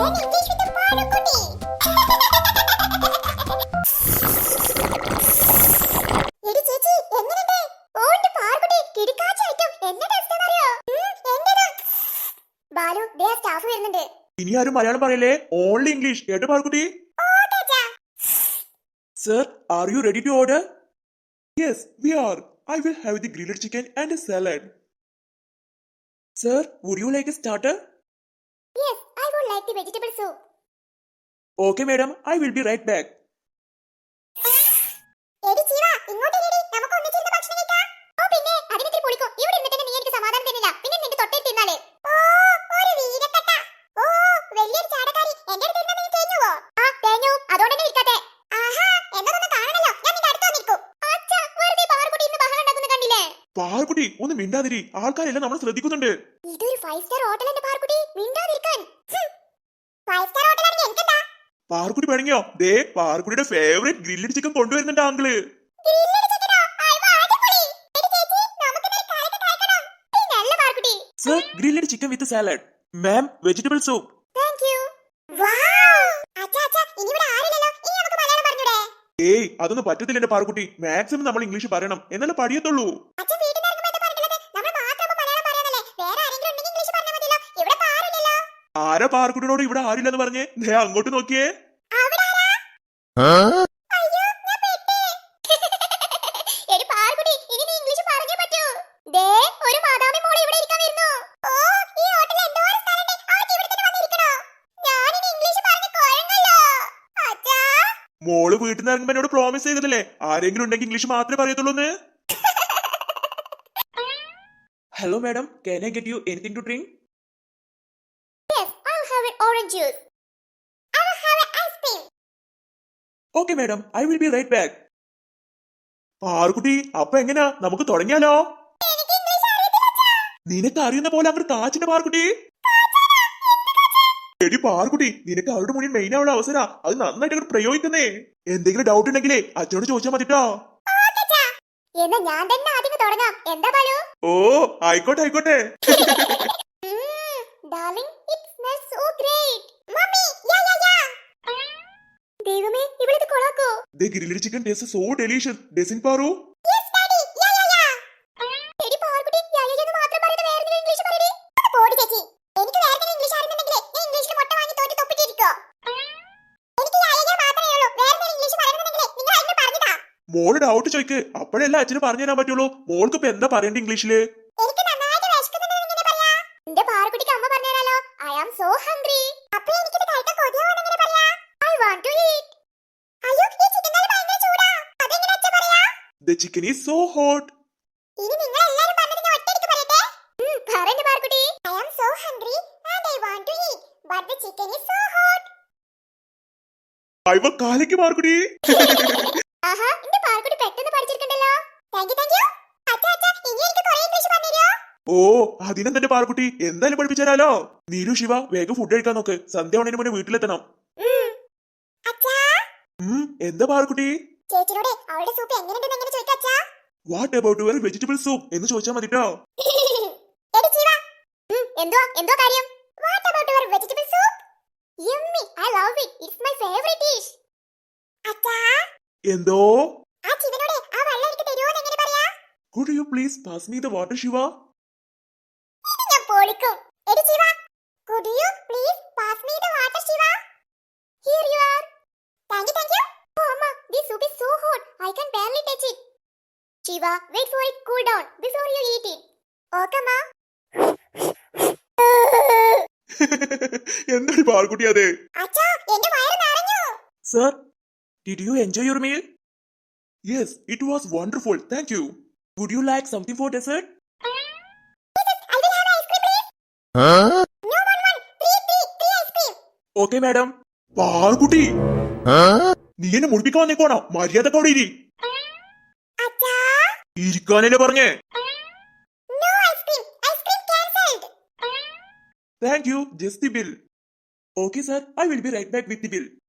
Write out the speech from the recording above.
Learn English with the Parukutti. എടി ചേച്ചി എങ്ങനെയുണ്ട്? ഓ എന്റെ പാറുകുട്ടി കിടുക്കാച്ചായിട്ടും എന്നെ ടെസ്റ്റ് അറിയോ? എന്റേത് ബാലു ദേ സ്റ്റാഫ് വരുന്നുണ്ട്. ഇനി ആരും മലയാളം പറയല്ലേ, ഓൺലി ഇംഗ്ലീഷ്. കേട്ടോ Parukutty? Sir, are you ready to order? Yes, we are. I will have the grilled chicken and a salad. Sir, would you like a starter? Yes, I would like the vegetable soup. Okay, madam. I will be right back. എടി ജീവ ഇങ്ങോട്ട് എടി നമുക്ക് ഒന്നിച്ചിരുന്ന് ഭക്ഷണം കഴിക്കാം. ഓ പിന്നെ അതിനെത്തിരി പൊളിക്കോ. ഇവിടെ ഇരുന്നിട്ട് നീ എനിക്ക് സമാധാനം തന്നില്ല. പിന്നെ നിന്റെ തൊട്ടേ തിന്നാലേ. ഓ ഒരു വീരക്കട്ട. ഓ വലിയൊരു ചാടക്കാരി. എന്റെ അടുത്ത് ഇരുന്ന് നീ തേഞ്ഞുവോ? ആ തേഞ്ഞു. അതുകൊണ്ട് തന്നെ ഇരിക്കട്ടെ. ആഹാ എന്നതൊന്ന് കാണണല്ലോ. ഞാൻ നിന്റെ അടുത്ത് വന്നിരിക്കും. അച്ഛാ വെറുതെ പാറുകുട്ടി ഇന്ന് ബഹളം ഉണ്ടാക്കുന്ന കണ്ടില്ലേ? പാറുകുട്ടി ഒന്ന് മിണ്ടാതിരി. ആൾക്കാരെല്ലാം നമ്മൾ ശ്രദ്ധിക്കുന്നുണ്ട്. ഇതൊരു 5 സ്റ്റാർ ഹോട്ടലല്ലേ പാറുകുട്ടി? മിണ്ടാതിരിക്കാൻ. 5 സ്റ്റാർ ഹോട്ടലാണെങ്കിൽ എനിക്കെന്താ? പാറുകുട്ടി പഴങ്ങിയോ? ദേ പാറുകുട്ടിയുടെ ഫേവറേറ്റ് ഗ്രില്ലഡ് ചിക്കൻ കൊണ്ടുവരുന്നുണ്ട് uncle. Sir, grilled chicken with salad. Ma'am, vegetable soup. Thank you. Wow! അച്ഛാ ഇനി ഇവിടെ ആരില്ലല്ലോ. ഇനി നമുക്ക് മലയാളം പറഞ്ഞൂടെ? ഏയ് അതൊന്നും പറ്റത്തില്ല എന്റെ പാറുകുട്ടി. മാക്സിമം നമ്മൾ ഇംഗ്ലീഷ് പറയണം, എന്നാലേ പഠിയത്തുള്ളൂ. അച്ഛൻ വീട്ടിൽ നിന്ന് ഇറങ്ങുമ്പോൾ എന്താ പറഞ്ഞിട്ടുള്ളത്? നമ്മൾ മാത്രം മലയാളം പറയാനല്ലേ? വേറെ ആരെങ്കിലും ഉണ്ടെങ്കിൽ ഇംഗ്ലീഷ് പറഞ്ഞാൽ മതിയല്ലോ. ഇവിടെ പാറില്ലല്ലോ. ആരാ പാറുകുട്ടിയോട് ഇവിടെ ആരില്ലെന്ന് പറഞ്ഞേ? ദേ അങ്ങോട്ട് നോക്കിയേ. അവിടെ ആരാ? അയ്യോ ഞാൻ പെട്ടേ. എടി പാറുകുട്ടി ഇനി നീ ഇംഗ്ലീഷ് പറഞ്ഞേ പറ്റൂ. ദേ ഒരു മാതാമി മോളെ ഇവിടെ ഇരിക്കാൻ വരുന്നു. ഓ ഈ ഹോട്ടലിൽ എന്തോ ഒരു സ്ഥലമുണ്ട്. അവർക്ക് ഇവിടെ തന്നെ വന്നിരിക്കണോ? ഞാൻ ഇനി ഇംഗ്ലീഷ് പറഞ്ഞ് കുഴങ്ങല്ലോ. അച്ഛാ മോള് വീട്ടിൽ നിന്ന് ഇറങ്ങുമ്പോൾ എന്നോട് പ്രോമിസ് ചെയ്തതല്ലേ ആരെങ്കിലും ഉണ്ടെങ്കിൽ ഇംഗ്ലീഷ് മാത്രമേ പറയത്തുള്ളൂ എന്ന്. Hello madam, can I get you anything to drink? Yes, I'll have an orange juice. I will have an ice cream. Okay madam, I will be right back. Parukutty അപ്പൊ എങ്ങനാ, നമുക്ക് തുടങ്ങിയാലോ? എനിക്ക് ഇംഗ്ലീഷ് അറിയത്തില്ല അച്ഛാ. നിനക്ക് അറിയുന്ന പോലെ അങ്ങോട്ട് കാച്ചിന്റെ പാറുകുട്ടി. എടി പാറുകുട്ടി നിനക്ക് അവരുടെ മുന്നിൽ മെയിൻ ആവുള്ള അവസര, അത് നന്നായിട്ട് അങ്ങോട്ട് പ്രയോഗിക്കുന്നേ. എന്തെങ്കിലും ഡൗട്ട് ഉണ്ടെങ്കിലേ അച്ഛനോട് ചോദിച്ചാൽ മതിട്ടോ. എന്നാ ഞാൻ തന്നെ ആദ്യം തുടങ്ങാം. എന്താ ബാലു? ഓ ആയിക്കോട്ടെ ആയിക്കോട്ടെ. Darling, it smells so great. Mommy, yeah. ദൈവമേ ഇവളിത് കൊളാക്കോ? The grilled chicken tastes so delicious, doesn't Paru? Yes, daddy. Yeah. എടി പാറുകുട്ടി യായെന്ന് മാത്രം പറയുന്ന വേറെ ഇംഗ്ലീഷ് പറയടി. ഒന്ന് പോടി ചേച്ചി. എനിക്ക് വേറെ ഇംഗ്ലീഷ് അറിയുന്നുണ്ടെങ്കിൽ ഞാൻ ഇംഗ്ലീഷിൽ മുട്ട വാങ്ങി തോറ്റി തൊപ്പിട്ടിരിക്കോ. എനിക്ക് യായ മാത്രമേ ഉള്ളൂ. വേറെ ഇംഗ്ലീഷ് പറയുന്നുണ്ടെങ്കിൽ നിങ്ങൾ എന്നെ പറഞ്ഞുതാ. മോള് ഡൗട്ട് ചോദിക്ക്, അപ്പോഴല്ല അച്ഛന് പറഞ്ഞു തരാൻ പറ്റുള്ളൂ. മോൾക്ക് ഇപ്പൊ എന്താ പറയണ്ട ഇംഗ്ലീഷില്? എനിക്ക് നന്നായിട്ട് വിശക്കുന്നുണ്ടെന്ന് എങ്ങനെ പറയാ? എന്റെ പാറുകുട്ടിക്ക് അമ്മ പറഞ്ഞുതരാലോ. I am so hungry. അപ്പൊ എനിക്കിത് കഴിക്കാൻ കൊതിയാവുന്ന എങ്ങനെ പറയാ? I want to eat. അയ്യോ ഈ ചിക്കൻ കറി ഭയങ്കര ചൂടാ. അതെങ്ങനെ അച്ഛൻ പറയാ? The chicken is so hot. ഇനി നിങ്ങൾ എല്ലാവരും പറഞ്ഞത് ഞാൻ ഒറ്റയ്ക്ക് പറയട്ടെ. പറയണ്ട Parukutty. I am so hungry and I want to eat, but the chicken is so hot. അയ്യോ കാലയ്ക്ക് പാറുകുട്ടി. ആഹാ എന്റെ പാറുകുട്ടി പെട്ടെന്ന് പഠിച്ചിരിക്കണ്ടല്ലോ. Thank you. അച്ഛാ ഇനി എനിക്ക് കുറേ ഇംഗ്ലീഷ് പറഞ്ഞുതരോ? ഓ അതിനും തന്നെ പാറുകുട്ടി എന്തായാലും പഠിപ്പിച്ചാലോ. നീലു ശിവ വേഗം ഫുഡ് കഴിക്കാൻ നോക്ക്, സന്ധ്യ ആവണേന് മുന്നേ വീട്ടിലെത്തണം. അച്ഛാ എന്താ പാറുകുട്ടി? ചേച്ചിനോട് അവളുടെ സൂപ്പ് എങ്ങനെയുണ്ടെന്ന് എങ്ങനെ ചോദിക്കാം അച്ഛാ? What about your vegetable soup എന്ന് ചോദിച്ചാൽ മതിട്ടോ. എടി ജീവ എന്തോ കാര്യം? What about your vegetable soup? Yummy, I love it. It's my favourite dish. അച്ഛാ എന്തോ? ആ ജീവനോട് ആ വെള്ളം എനിക്ക് തരുമോന്ന് എങ്ങനെ പറയാ? Could you please pass me the water, Shiva? ഇത് ഞാൻ പൊളിക്കും. എടി ജീവ could you please pass me the water, Shiva? Here you are. Thank you. Oh amma, this soup is so hot. I can barely touch it. Shiva, wait for it cool down before you eat it. Okay ma. എന്താണ് പാറുകുട്ടി അത്? അച്ഛാ എന്റെ വയറ് നിറഞ്ഞു. Sir, did you enjoy your meal? Yes, it was wonderful. Thank you. Would you like something for dessert? I will have ice cream please. No one. Three ice cream. Okay, madam. Parukutty നീ എന്നെ മുടിപ്പിക്കാൻ വന്നേക്കോണോ? മര്യാദക്കോടെ ഇരി. അച്ഛാ ഇരിക്കാനല്ലേ പറഞ്ഞേ? no ice cream cancelled. Thank you. Just the bill. Okay, sir. I will be right back with the bill.